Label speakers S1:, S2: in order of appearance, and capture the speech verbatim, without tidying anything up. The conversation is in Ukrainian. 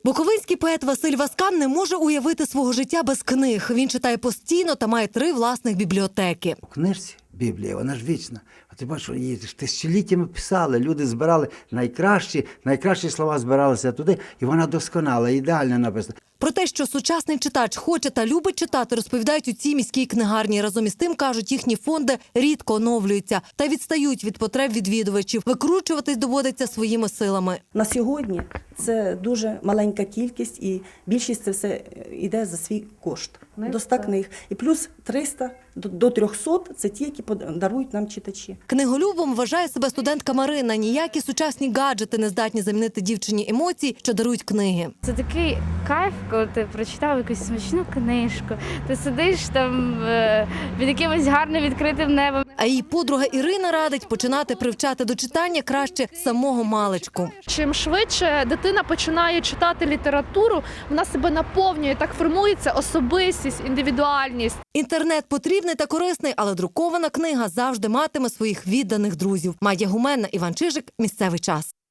S1: Буковинський поет Василь Васкан не може уявити свого життя без книг. Він читає постійно та має три власних бібліотеки.
S2: У книжці Біблія, вона ж вічна. А ти бачиш, її ж тисячоліттями писали, люди збирали найкращі, найкращі слова збиралися туди, і вона досконала, ідеально написана.
S1: Про те, що сучасний читач хоче та любить читати, розповідають у цій міській книгарні. Разом із тим, кажуть, їхні фонди рідко оновлюються та відстають від потреб відвідувачів. Викручуватись доводиться своїми силами.
S3: На сьогодні це дуже маленька кількість, і більшість це все йде за свій кошт. До ста книг. І плюс триста до трьохсот – це ті, які дарують нам читачі.
S1: Книголюбом вважає себе студентка Марина. Ніякі сучасні гаджети не здатні замінити дівчині емоцій, що дарують книги.
S4: Це такий кайф, коли ти прочитав якусь смачну книжку, ти сидиш там під якимось гарним відкритим небом.
S1: А її подруга Ірина радить починати привчати до читання краще самого маличку.
S5: Чим швидше дитина починає читати літературу, вона себе наповнює, так формується особистість, індивідуальність.
S1: Інтернет потрібний та корисний, але друкована книга завжди матиме своїх відданих друзів. Майя Гуменна, Іван Чижик. Місцевий час.